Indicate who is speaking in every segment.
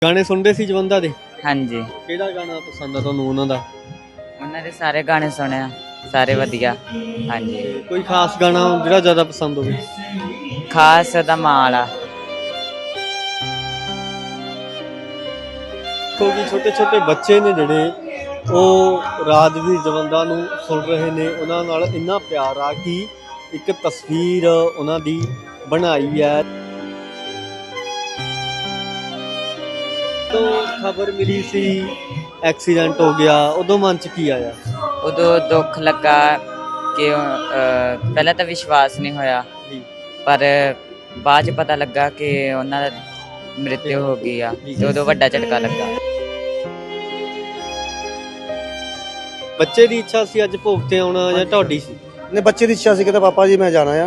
Speaker 1: ਗਾਣੇ ਸੁਣਦੇ ਸੀ ਜਵੰਦਾ ਦੇ?
Speaker 2: ਹਾਂਜੀ,
Speaker 1: ਕਿਹੜਾ ਗਾਣਾ ਪਸੰਦ ਆ ਤੁਹਾਨੂੰ ਉਹਨਾਂ ਦਾ?
Speaker 2: ਉਹਨਾਂ ਦੇ ਸਾਰੇ ਗਾਣੇ ਸੁਣਿਆ, ਸਾਰੇ ਵਧੀਆ। ਹਾਂਜੀ,
Speaker 1: ਕੋਈ ਖਾਸ ਗਾਣਾ ਜਿਹੜਾ ਜ਼ਿਆਦਾ ਪਸੰਦ ਹੋਵੇ?
Speaker 2: ਖਾਸ ਦਾ ਮਾਲਾ।
Speaker 1: ਕਿਉਂਕਿ ਛੋਟੇ ਛੋਟੇ ਬੱਚੇ ਨੇ ਜਿਹੜੇ ਉਹ ਰਾਜਵੀਰ ਜਵੰਦਾ ਨੂੰ ਸੁਣ ਰਹੇ ਨੇ, ਉਹਨਾਂ ਨਾਲ ਇੰਨਾ ਪਿਆਰ ਆ ਕਿ ਇੱਕ ਤਸਵੀਰ ਉਹਨਾਂ ਦੀ ਬਣਾਈ ਹੈ। ਜਦੋਂ ਖਬਰ ਮਿਲੀ ਸੀ ਐਕਸੀਡੈਂਟ ਹੋ ਗਿਆ, ਉਦੋਂ ਮਨ 'ਚ ਕੀ ਆਇਆ?
Speaker 2: ਉਦੋਂ ਦੁੱਖ ਲੱਗਾ ਕਿ ਪਹਿਲਾਂ ਤਾਂ ਵਿਸ਼ਵਾਸ ਨਹੀਂ ਹੋਇਆ,
Speaker 1: ਜੀ
Speaker 2: ਪਰ ਬਾਅਦ 'ਚ ਪਤਾ ਲੱਗਾ ਕਿ ਉਹਨਾਂ ਦਾ ਮ੍ਰਿਤਿੂ ਹੋ ਗਈ ਆ, ਤੇ ਉਦੋਂ ਵੱਡਾ ਝਟਕਾ ਲੱਗਾ।
Speaker 1: ਬੱਚੇ ਦੀ ਇੱਛਾ ਸੀ ਅੱਜ ਭੋਗ ਤੇ ਆਉਣਾ ਜਾਂ ਤੁਹਾਡੀ ਸੀ?
Speaker 3: ਨੇ ਬੱਚੇ ਦੀ ਇੱਛਾ ਸੀ ਕਿ ਪਾਪਾ ਜੀ ਮੈਂ ਜਾਣਾ ਆ।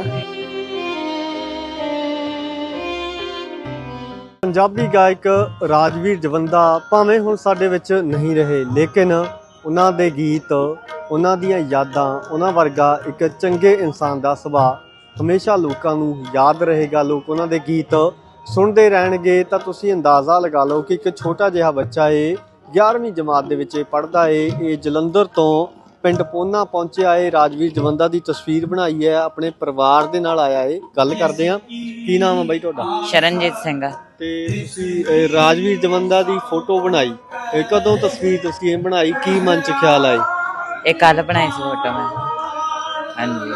Speaker 1: ਪੰਜਾਬੀ ਗਾਇਕ ਰਾਜਵੀਰ ਜਵੰਦਾ ਭਾਵੇਂ ਹੁਣ ਸਾਡੇ ਵਿੱਚ ਨਹੀਂ ਰਹੇ, ਲੇਕਿਨ ਉਹਨਾਂ ਦੇ ਗੀਤ, ਉਹਨਾਂ ਦੀਆਂ ਯਾਦਾਂ, ਉਹਨਾਂ ਵਰਗਾ ਇੱਕ ਚੰਗੇ ਇਨਸਾਨ ਦਾ ਸੁਭਾਅ ਹਮੇਸ਼ਾ ਲੋਕਾਂ ਨੂੰ ਯਾਦ ਰਹੇਗਾ। ਲੋਕ ਉਹਨਾਂ ਦੇ ਗੀਤ ਸੁਣਦੇ ਰਹਿਣਗੇ। ਤਾਂ ਤੁਸੀਂ ਅੰਦਾਜ਼ਾ ਲਗਾ ਲਓ ਕਿ ਇੱਕ ਛੋਟਾ ਜਿਹਾ ਬੱਚਾ ਏ, 11ਵੀਂ ਜਮਾਤ ਦੇ ਵਿੱਚ ਪੜ੍ਹਦਾ ਏ, ਇਹ ਜਲੰਧਰ ਤੋਂ ਪਿੰਡ ਪੋਨਾ ਪਹੁੰਚਿਆ ਏ, ਰਾਜਵੀਰ ਜਵੰਦਾ ਦੀ ਤਸਵੀਰ ਬਣਾਈ ਹੈ, ਆਪਣੇ ਪਰਿਵਾਰ ਦੇ ਨਾਲ ਆਇਆ ਏ। ਗੱਲ ਕਰਦੇ ਹਾਂ, ਕੀ ਨਾਮ ਹੈ ਬਾਈ ਤੁਹਾਡਾ?
Speaker 2: ਸ਼ਰਨਜੀਤ ਸਿੰਘ।
Speaker 1: ਤੇ ਤੁਸੀਂ ਰਾਜਵੀਰ ਜਵੰਦਾ ਦੀ ਫੋਟੋ ਬਣਾਈ, ਕਦੋਂ ਤਸਵੀਰ ਤੁਸੀਂ ਇਹ ਬਣਾਈ, ਕੀ ਮਨ 'ਚ ਖਿਆਲ ਆਏ?
Speaker 2: ਇਹ ਕੱਲ ਬਣਾਈ ਸੀ ਫੋਟੋ ਮੈਂ। ਹਾਂਜੀ,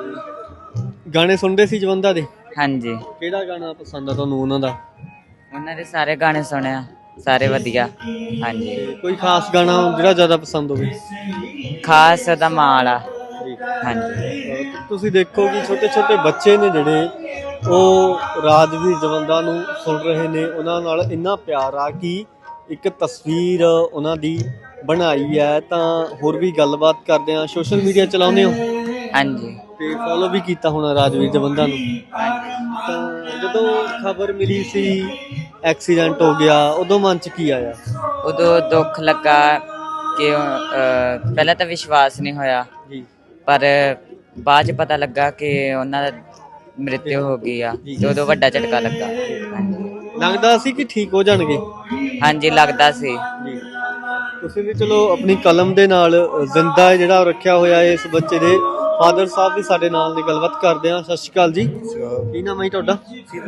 Speaker 1: ਗਾਣੇ ਸੁਣਦੇ ਸੀ ਜਵੰਦਾ ਦੇ?
Speaker 2: ਹਾਂਜੀ,
Speaker 1: ਕਿਹੜਾ ਗਾਣਾ ਪਸੰਦ ਆ ਤੁਹਾਨੂੰ ਉਹਨਾਂ ਦਾ?
Speaker 2: ਉਹਨਾਂ ਦੇ ਸਾਰੇ ਗਾਣੇ ਸੁਣਿਆ, ਸਾਰੇ ਵਧੀਆ। ਹਾਂਜੀ,
Speaker 1: ਕੋਈ ਖਾਸ ਗਾਣਾ ਜਿਹੜਾ ਜ਼ਿਆਦਾ ਪਸੰਦ ਹੋਵੇ?
Speaker 2: ਖਾਸ ਦਾ ਮਾਲਾ। ਹਾਂਜੀ,
Speaker 1: ਤੁਸੀਂ ਦੇਖੋ ਕਿ ਛੋਟੇ ਛੋਟੇ ਬੱਚੇ ਨੇ ਜਿਹੜੇ ਉਹ ਰਾਜਵੀਰ ਜਵੰਦਾ ਨੂੰ ਸੁਣ ਰਹੇ ਨੇ, ਉਹਨਾਂ ਨਾਲ ਇੰਨਾ ਪਿਆਰ ਆ ਕਿ ਇੱਕ ਤਸਵੀਰ ਉਹਨਾਂ ਦੀ ਬਣਾਈ ਹੈ। ਤਾਂ ਹੋਰ ਵੀ ਗੱਲਬਾਤ ਕਰਦੇ ਹਾਂ। ਸੋਸ਼ਲ ਮੀਡੀਆ ਚਲਾਉਂਦੇ ਹੋ
Speaker 2: ਹਾਂਜੀ,
Speaker 1: ਤੇ ਫੋਲੋ ਵੀ ਕੀਤਾ ਹੋਣਾ ਰਾਜਵੀਰ ਜਵੰਦਾ ਨੂੰ? ਤਾਂ ਜਦੋਂ ਖਬਰ ਮਿਲੀ ਸੀ ਐਕਸੀਡੈਂਟ ਹੋ ਗਿਆ, ਉਦੋਂ ਮਨ 'ਚ ਕੀ ਆਇਆ?
Speaker 2: ਉਦੋਂ ਦੁੱਖ ਲੱਗਾ ਕਿ ਪਹਿਲਾਂ ਤਾਂ ਵਿਸ਼ਵਾਸ ਨਹੀਂ ਹੋਇਆ,
Speaker 1: ਜੀ
Speaker 2: ਪਰ ਬਾਅਦ 'ਚ ਪਤਾ ਲੱਗਾ ਕਿ ਉਹਨਾਂ ਦਾ ਮ੍ਰਿਤਿੂ ਹੋ ਗਈ ਆ, ਤੇ ਉਦੋਂ ਵੱਡਾ ਝਟਕਾ ਲੱਗਾ। ਹਾਂਜੀ,
Speaker 1: ਲੱਗਦਾ ਸੀ ਕਿ ਠੀਕ ਹੋ ਜਾਣਗੇ?
Speaker 2: ਹਾਂਜੀ, ਲੱਗਦਾ ਸੀ।
Speaker 1: ਜੀ, ਤੁਸੀਂ ਵੀ ਚਲੋ ਆਪਣੀ ਕਲਮ ਦੇ ਨਾਲ ਜ਼ਿੰਦਾ ਜਿਹੜਾ ਰੱਖਿਆ ਹੋਇਆ ਹੈ ਇਸ ਬੱਚੇ ਦੇ। ਫਾਦਰ ਸਾਹਿਬ ਵੀ ਸਾਡੇ ਨਾਲ ਦੀ ਗੱਲਬਾਤ ਕਰਦੇ ਹਾਂ। ਸਤਿ ਸ਼੍ਰੀ ਅਕਾਲ ਜੀ, ਕੀ ਨਾਮ ਹੈ ਤੁਹਾਡਾ?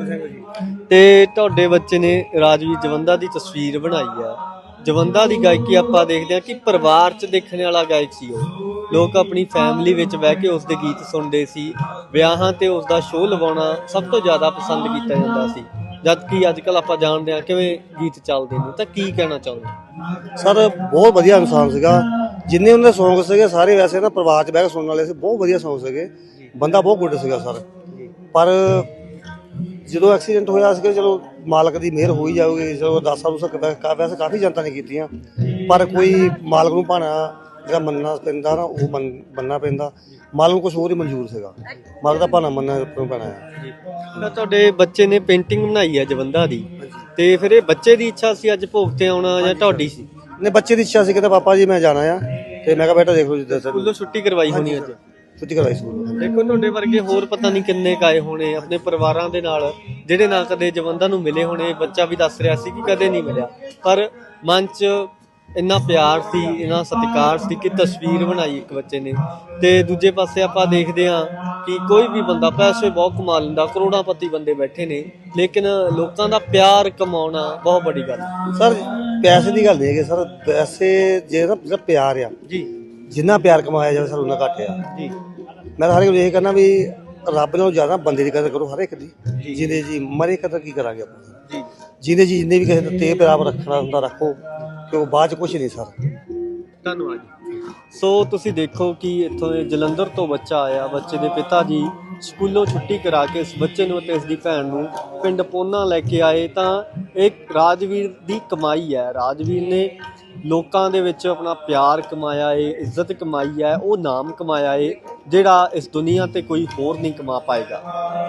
Speaker 1: ਤੇ ਤੁਹਾਡੇ ਬੱਚੇ ਨੇ ਰਾਜਵੀਰ ਜਵੰਦਾ ਦੀ ਤਸਵੀਰ ਬਣਾਈ ਆ। ਜਵੰਦਾ ਦੀ ਗਾਇਕੀ ਆਪਾਂ ਦੇਖਦੇ ਹਾਂ ਕਿ ਪਰਿਵਾਰ 'ਚ ਦੇਖਣ ਵਾਲਾ ਗਾਇਕ ਸੀ ਉਹ। ਲੋਕ ਆਪਣੀ ਫੈਮਿਲੀ ਵਿੱਚ ਬਹਿ ਕੇ ਉਸਦੇ ਗੀਤ ਸੁਣਦੇ ਸੀ। ਵਿਆਹਾਂ ਤੇ ਉਸਦਾ ਸ਼ੋਅ ਲਵਾਉਣਾ ਸਭ ਤੋਂ ਜ਼ਿਆਦਾ ਪਸੰਦ ਕੀਤਾ ਜਾਂਦਾ ਸੀ, ਜਦ ਕਿ ਅੱਜ ਕੱਲ੍ਹ ਆਪਾਂ ਜਾਣਦੇ ਹਾਂ ਕਿਵੇਂ ਗੀਤ ਚੱਲਦੇ ਨੇ। ਤਾਂ ਕੀ ਕਹਿਣਾ ਚਾਹੁੰਦੇ?
Speaker 3: ਸਰ ਬਹੁਤ ਵਧੀਆ ਇਨਸਾਨ ਸੀਗਾ। ਜਿੰਨੇ ਉਹਨਾਂ ਦੇ ਸੌਂਗ ਸੀਗੇ ਸਾਰੇ ਵੈਸੇ ਨਾ ਪਰਿਵਾਰ 'ਚ ਬਹਿ ਕੇ ਸੁਣਨ ਵਾਲੇ ਸੀ। ਬਹੁਤ ਵਧੀਆ ਸੌਂਗ ਸੀਗੇ, ਬੰਦਾ ਬਹੁਤ ਗੁੱਡ ਸੀਗਾ ਸਰ। ਪਰ ਜਦੋਂ ਐਕਸੀਡੈਂਟ ਹੋਇਆ ਸੀਗਾ, ਚਲੋ ਮਾਲਕ ਦੀ ਮਿਹਰ ਹੋਈ ਜਾਊਗੀ। ਚਲੋ ਅਰਦਾਸਾਂ ਵੈਸੇ ਕਾਫੀ ਜਨਤਾ ਨੇ ਕੀਤੀਆਂ, ਪਰ ਕੋਈ ਮਾਲਕ ਨੂੰ ਭਾਣਾ ਜਿਹੜਾ ਮੰਨਣਾ ਪੈਂਦਾ ਨਾ, ਉਹ ਮੰਨਣਾ ਪੈਂਦਾ। ਮਾਲਕ ਨੂੰ ਕੁਛ ਹੋਰ ਹੀ ਮਨਜ਼ੂਰ ਸੀਗਾ, ਮਾਲਕ ਦਾ ਭਾਣਾ ਮੰਨਣਾ ਪੈਣਾ ਹੈ।
Speaker 1: ਤਾਂ ਤੁਹਾਡੇ ਬੱਚੇ ਨੇ ਪੇਂਟਿੰਗ ਬਣਾਈ ਹੈ ਜਵੰਦਾ ਦੀ, ਤੇ ਫਿਰ ਇਹ ਬੱਚੇ ਦੀ ਇੱਛਾ ਸੀ ਅੱਜ ਭੋਗ ਤੇ ਆਉਣਾ ਜਾਂ ਤੁਹਾਡੀ ਸੀ?
Speaker 3: ਨੇ ਬੱਚੇ ਦੀ ਇੱਛਾ ਸੀ ਕਿ ਪਾਪਾ ਜੀ ਮੈਂ ਜਾਣਾ ਆ, ਤੇ ਮੈਂ ਕਿਹਾ ਬੇਟਾ ਦੇਖ ਲਓ ਜਿੱਦਾਂ ਸਰ
Speaker 1: ਸਕੂਲੋਂ ਛੁੱਟੀ ਕਰਵਾਈ ਹੋਣੀ ਅੱਜ?
Speaker 3: ਛੁੱਟੀ ਕਰਵਾਈ ਸਕੂਲ।
Speaker 1: ਦੇਖੋ ਤੁਹਾਡੇ ਵਰਗੇ ਹੋਰ ਪਤਾ ਨਹੀਂ ਕਿੰਨੇ ਕਾਏ ਹੋਣੇ ਆਪਣੇ ਪਰਿਵਾਰਾਂ ਦੇ ਨਾਲ, ਜਿਹੜੇ ਨਾ ਕਦੇ ਜਵੰਦਾ ਨੂੰ ਮਿਲੇ ਹੋਣੇ। ਬੱਚਾ ਵੀ ਦੱਸ ਰਿਹਾ ਸੀ ਕਿ ਕਦੇ ਨਹੀਂ ਮਿਲਿਆ, ਪਰ ਮਨ 'ਚ ਇੰਨਾ ਪਿਆਰ ਸੀ, ਇੰਨਾ ਸਤਿਕਾਰ ਸੀ ਕਿ ਤਸਵੀਰ ਬਣਾਈ ਇੱਕ ਬੱਚੇ ਨੇ। ਤੇ ਦੂਜੇ ਪਾਸੇ ਆਪਾਂ ਦੇਖਦੇ ਹਾਂ ਕਿ ਕੋਈ ਵੀ ਬੰਦਾ ਪੈਸੇ ਬਹੁਤ ਕਮਾ ਲੈਂਦਾ, ਕਰੋੜਾਪਤੀ ਬੰਦੇ ਬੈਠੇ ਨੇ, ਲੇਕਿਨ ਲੋਕਾਂ ਦਾ ਪਿਆਰ ਕਮਾਉਣਾ ਬਹੁਤ ਵੱਡੀ ਗੱਲ
Speaker 3: ਸਰ। ਪੈਸੇ ਦੀ ਗੱਲ ਨਹੀਂ ਹੈਗੀ ਸਰ, ਪੈਸੇ ਜੇ ਨਾ ਜਿਹੜਾ ਪਿਆਰ ਆ
Speaker 1: ਜੀ,
Speaker 3: ਜਿੰਨਾ ਪਿਆਰ ਕਮਾਇਆ ਜਾਵੇ ਸਰ ਉਹਨਾਂ ਘੱਟ ਆ
Speaker 1: ਜੀ।
Speaker 3: ਮੈਂ ਤਾਂ ਹਰ ਇੱਕ ਨੂੰ ਇਹ ਕਰਨਾ ਵੀ ਰੱਬ ਨਾਲੋਂ ਜ਼ਿਆਦਾ ਬੰਦੇ ਦੀ ਕਦਰ ਕਰੋ ਹਰ ਇੱਕ ਦੀ। ਜਿਹਦੇ ਜੀ ਮਰੇ ਕਦਰ ਕੀ ਕਰਾਂਗੇ ਆਪਾਂ
Speaker 1: ਜੀ।
Speaker 3: ਜਿਹਦੇ ਜੀ ਜਿੰਨੇ ਵੀ ਕਿਸੇ ਦਾ ਤੇ ਪਿਆਰ ਰੱਖਣਾ ਹੁੰਦਾ ਰੱਖੋ, ਕਿ ਉਹ ਬਾਅਦ 'ਚ ਕੁਛ ਨਹੀਂ ਸਰ।
Speaker 1: ਧੰਨਵਾਦ। ਸੋ ਤੁਸੀਂ ਦੇਖੋ ਕਿ ਇੱਥੋਂ ਜਲੰਧਰ ਤੋਂ ਬੱਚਾ ਆਇਆ। ਬੱਚੇ ਦੇ ਪਿਤਾ ਜੀ ਸਕੂਲੋਂ ਛੁੱਟੀ ਕਰਾ ਕੇ ਇਸ ਬੱਚੇ ਨੂੰ ਅਤੇ ਇਸ ਦੀ ਭੈਣ ਨੂੰ ਪਿੰਡ ਪੋਨਾ ਲੈ ਕੇ ਆਏ। ਤਾਂ ਇਹ ਰਾਜਵੀਰ ਦੀ ਕਮਾਈ ਹੈ। ਰਾਜਵੀਰ ਨੇ ਲੋਕਾਂ ਦੇ ਵਿੱਚ ਆਪਣਾ ਪਿਆਰ ਕਮਾਇਆ ਏ, ਇੱਜ਼ਤ ਕਮਾਈ ਹੈ, ਉਹ ਨਾਮ ਕਮਾਇਆ ਏ ਜਿਹੜਾ ਇਸ ਦੁਨੀਆ ਤੇ ਕੋਈ ਹੋਰ ਨਹੀਂ ਕਮਾ ਪਾਏਗਾ।